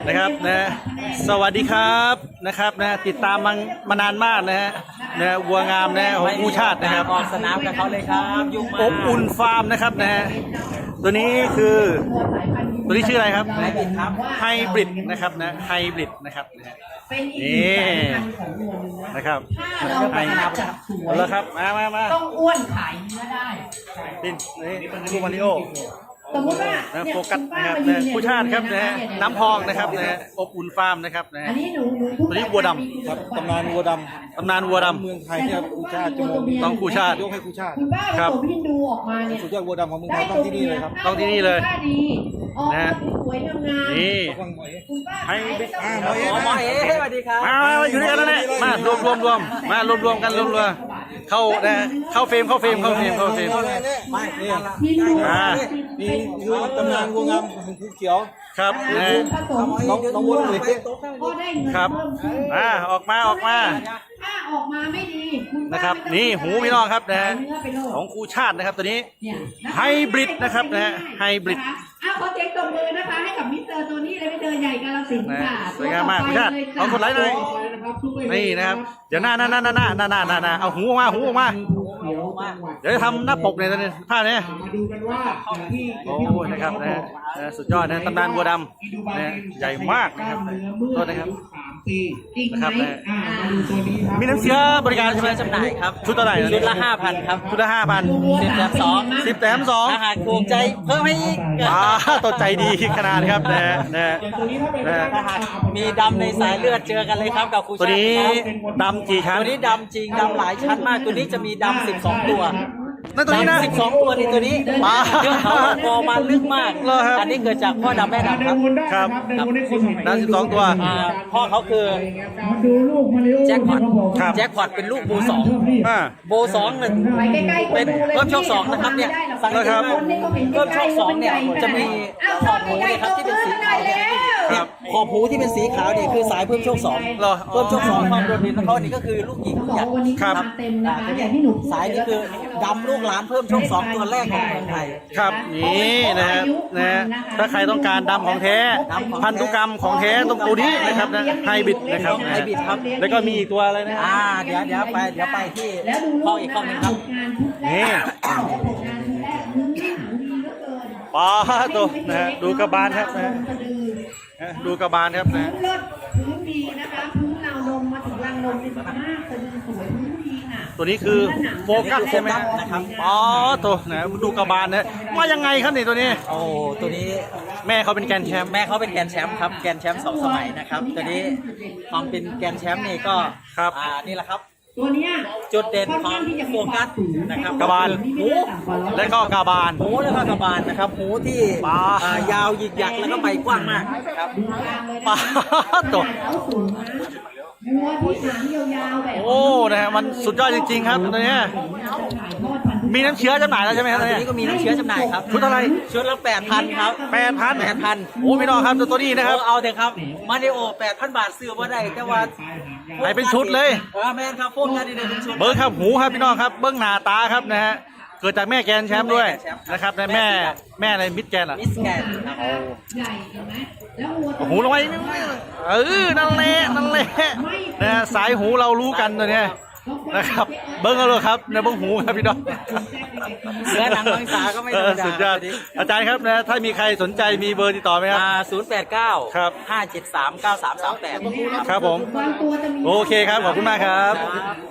นะครับนะสวัสดีครับนะครับนะติดตามมานานมากนะฮะนะวัวงามนะของกู้ชาตินะครับออกสนามกับเขาเลยครับยุ่งมากอบอุ่นฟาร์มนะครับนะฮะตัวนี้คือตัวนี้ชื่ออะไรครับไฮบริดครับไฮบริดนะครับนะไฮบริดนะครับนี่นะครับไฮแล้วครับมาต้องอ้วนขายเนื้อได้นี่ลูกมาริโอสมมติว่านะโฟกัสนะครับนะผู้ชาติครับนะน้ำพองนะครับนะอบอุ่นฟาร์มนะครับนะอันนี้หนูตัวนี้วัวดำครับตำนานวัวดตำนานวัวดำำเมืองไทยเนี่ยคู่ชาติจะมองต้องคู่ชาติยกให้คู่ชาติคุณป้าผสมฮินดูออกมาเนี่ยสุดยอดวัวดำของเมืองไทยต้องที่นี่เลยครับต้องที่นี่เลยนะสวยงามนี่ให้หมอเอ๋สวัสดีครับมาอยู่ด้วยกันแล้วเนี่ยมารวมมารวมกันรวมเข้าเฟรมไม่นี่คือตำนานวัวงามของภูเขียวครับน้องวัวเลยครับออกมาถ้าออกมาไม่ดีนะครับนี่หูพี่น้องครับนะของครูชาตินะครับตัวนี้ไฮบริดนะครับนะไฮบริดขอเจ๊งตบมือนะคะให้กับมิสเตอร์ตัวนี้เลยมิสเตอร์ใหญ่กาฬสินธุ์ค่ะสวยงามมากครูชาติเอาคนไลค์หน่อยนี่นะครับเดี๋ยวหน้าเอาหูออกมาเดี๋ยวจะทำหน้าปกในตอนนี้ภาพนี้มาดูกันว่าที่โอ้นะครับนะสุดยอดนะตำนานวัวดำนะใหญ่มากนะครับโทษนะครับนะครับมาดูตัวนี้ครับมีน้ำเชื้อบริการใช่ไหมจำหน่ายครับชุดเท่าไหร่ชุดละ 5,000 ครับชุดละ5,000 10 แถม 2 10 แถม 2 อาหารถูกใจเพิ่มให้อีกตัวใจดีขนาดครับนะตัวนี้ถ้าเป็นอาหารมีดำในสายเลือดเจอกันเลยครับกับครูชาติตัวนี้ดำกี่ชั้นตัวนี้ดำจริงดำหลายชั้นมากตัวนี้จะมีดำ12 ตัวนั่นตัวนี้นะ 12 ตัวนี่ตัวนี้เรื่องเขาคอมาลึกมากอันนี้เกิดจากพ่อดำแม่ดำครับดำ12 ตัวพ่อเขาคือดูลูกมาริโอแจ็คพอตเป็นลูกโบ2เป็นเพิ่มโชค2นะครับเนี่ยสังเกตว่าเพิ่มโชค2เนี่ยจะมีขอบหูเนี่ยครับที่เป็นสีขาวเนี่ยขอบหูที่เป็นสีขาวเนี่ยคือสายเพิ่มโชค2เพิ่มโชค2ความโดดเด่นของเขานี่ก็คือลูกหญิงลูกหยัดครับเต็มนะคะอย่างที่หนูสายนี้คือดำลูกหลานเพิ่มโชค2ตัวแรกของเมืองไทยครับนี่นะครับนะถ้าใครต้องการดำของแท้พันธุกรรมของแท้ตรงตัวนี้นะครับนะไฮบริดนะครับไฮบริดครับแล้วก็มีอีกตัวอะไรนะเดี๋ยวไปที่ข้ออีกข้อนึงครับนี่ป้าตัวนะดูกระบาลครับนะดูกระบาลครับนะพื้นดีนะคะพื้นราวนมมาถึงรังนมเป็นมากสะดือสวยพื้นดีค่ะตัวนี้คือโฟกัสใช่ไหมนะครับตัวนะดูกระบาลนะว่ายังไงครับนี่ตัวนี้โอ้ตัวนี้แม่เขาเป็นแกนแชมป์แม่เขาเป็นแกนแชมป์ครับแกนแชมป์2 สมัยนะครับตัวนี้ความเป็นแกนแชมป์นี่ก็ครับนี่แหละครับตัวนี้จุดเด่นของโฟกัสนะครับกระบาลหูและก็กระบาลหูแล้วก็กระบาลนะครับหูที่ยาวหยิกหยักแล้วก็ใบกว้างมากครับป้าตัววัวที่หางยาวๆแบบโอ้นะฮะมันสุดยอดจริงๆครับตัวนี้มีน้ำเชื้อจำหน่ายแล้วใช่ไหมครับตัวนี้ก็มีน้ำเชื้อจำหน่ายครับชุดอะไรชุดละ 8,000 ครับ 8,000โอ้พี่น้องครับตัวนี้นะครับเอาเถอะครับมาริโอ 8,000 บาทซื้อว่าได้แต่ว่าไหนเป็นชุดเลยแม่ครับโฟกัสดีเลยเป็นชุดเบิ้งครับหูครับพี่น้องครับเบิ้งหน้าตาครับนะฮะเกิดจากแม่แกนแชมป์ด้วยนะครับแม่อะไรมิดแกนอ่ะมิสแกนใหญ่เห็นไหมแล้ววัวหูลงไปนั่นแหละนะสายหูเรารู้กันตัวนี้นะครับเบิ้งเอาเลยครับในเบิ้งหูครับพี่น้องเนื้อหนังมังสาก็ไม่ธรรมดาสุดยอดอาจารย์ครับนะถ้ามีใครสนใจมีเบอร์ติดต่อไหมครับ 089 ครับ 573 9338 ครับผมโอเคครับขอบคุณมากครับ